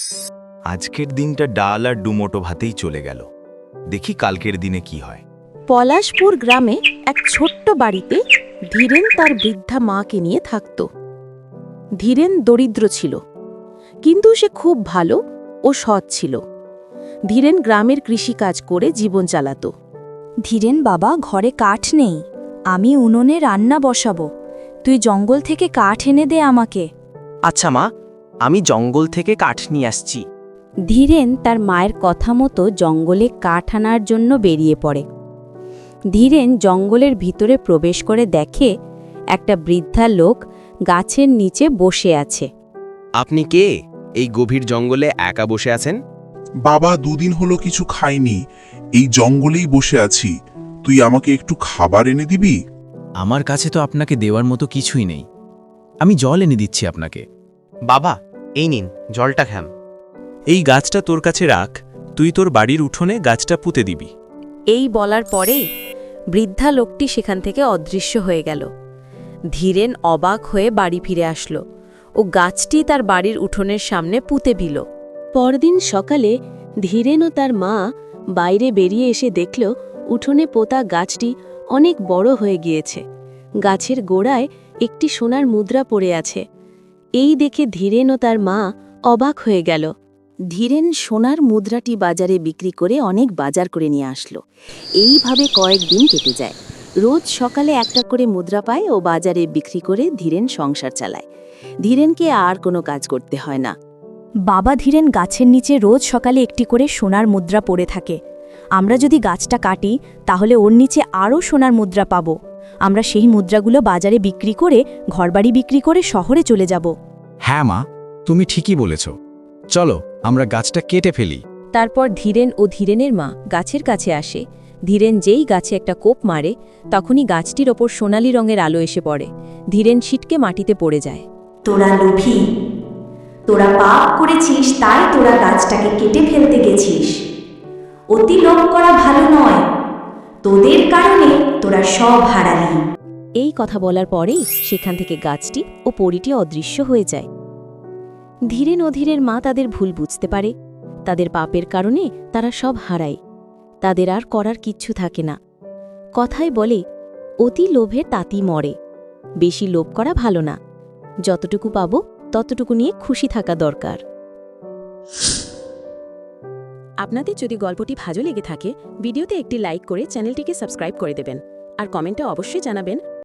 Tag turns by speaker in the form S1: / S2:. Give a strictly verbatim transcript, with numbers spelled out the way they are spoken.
S1: আজকের দিনটা ডাল আর ডুমোটো ভাতেই চলে গেল। দেখি কালকের দিনে কি হয়।
S2: পলাশপুর গ্রামে এক ছোট্ট বাড়িতে ধীরেন তার বৃদ্ধা মাকে নিয়ে থাকত। ধীরেন দরিদ্র ছিল, কিন্তু সে খুব ভালো ও সৎ ছিল। ধীরেন গ্রামের কৃষিকাজ করে জীবন চালাত।
S3: ধীরেন বাবা, ঘরে কাঠ নেই, আমি উনুনে রান্না বসাবো, তুই জঙ্গল থেকে কাঠ এনে দে আমাকে।
S4: আচ্ছা মা, আমি জঙ্গল থেকে কাঠ নিয়ে আসছি।
S5: ধীরেন তার মায়ের কথা মতো জঙ্গলে কাঠ আনার জন্য বেরিয়ে পড়ে। ধীরেন জঙ্গলের ভিতরে প্রবেশ করে দেখে একটা বৃদ্ধা লোক গাছের নিচে বসে আছে।
S6: আপনি কে? এই গভীর জঙ্গলে একা বসে আছেন?
S7: বাবা, দুদিন হলো কিছু খাইনি, এই জঙ্গলেই বসে আছি। তুই আমাকে একটু খাবার এনে দিবি?
S8: আমার কাছে তো আপনাকে দেওয়ার মতো কিছুই নেই, আমি জল এনে দিচ্ছি আপনাকে।
S4: বাবা, এই নিন জলটা খাম।
S8: এই গাছটা তোর কাছে রাখ, তুই তোর বাড়ির উঠোনে গাছটা পুঁতে দিবি।
S2: এই বলার পরেই বৃদ্ধা লোকটি সেখান থেকে অদৃশ্য হয়ে গেল। ধীরেন অবাক হয়ে বাড়ি ফিরে আসলো ও গাছটি তার বাড়ির উঠোনের সামনে পুঁতে দিল। পরদিন সকালে ধীরেন ও তার মা বাইরে বেরিয়ে এসে দেখল উঠোনে পোতা গাছটি অনেক বড় হয়ে গিয়েছে। গাছের গোড়ায় একটি সোনার মুদ্রা পড়ে আছে। এই দেখে ধীরেন ও তার মা অবাক হয়ে গেল। ধীরেন সোনার মুদ্রাটি বাজারে বিক্রি করে অনেক বাজার করে নিয়ে আসলো। এইভাবে কয়েকদিন কেটে যায়। রোজ সকালে একটা করে মুদ্রা পায় ও বাজারে বিক্রি করে ধীরেন সংসার চালায়। ধীরেনকে আর কোনো কাজ করতে হয় না।
S3: বাবা, ধীরেন গাছের নিচে রোজ সকালে একটি করে সোনার মুদ্রা পড়ে থাকে। আমরা যদি গাছটা কাটি তাহলে ওর নিচে আরও সোনার মুদ্রা পাব। আমরা সেই মুদ্রাগুলো বাজারে বিক্রি করে ঘরবাড়ি বিক্রি করে শহরে চলে যাব।
S8: হ্যাঁ মা, তুমি ঠিকই বলেছ, চলো আমরা গাছটা কেটে ফেলি।
S2: তারপর ধীরেন ও ধীরেনের মা গাছের কাছে আসে। ধীরেন যেই গাছে একটা কোপ মারে, তখনই গাছটির ওপর সোনালি রঙের আলো এসে পড়ে। ধীরেন ছিটকে মাটিতে পড়ে যায়।
S3: তোরা লোভী, তোরা পাপ করেছিস, তাই তোরা গাছটাকে কেটে ফেলতে গেছিস। অতি লোভ করা ভালো নয়, তোদের কারণে তোরা সব হারালি।
S2: এই কথা বলার পরেই সেখান থেকে গাছটি ও পরীটি অদৃশ্য হয়ে যায়। ধীরেন ও ধীরের মা তাদের ভুল বুঝতে পারে। তাদের পাপের কারণে তারা সব হারায়, তাদের আর করার কিচ্ছু থাকে না। কথায় বলে, অতি লোভে তাতি মরে। বেশি লোভ করা ভালো না, যতটুকু পাবো ততটুকু নিয়ে খুশি থাকা দরকার। আপনাদের যদি গল্পটি ভালো লেগে থাকে, ভিডিওতে একটি লাইক করে চ্যানেলটিকে সাবস্ক্রাইব করে দেবেন আর কমেন্টে অবশ্যই জানাবেন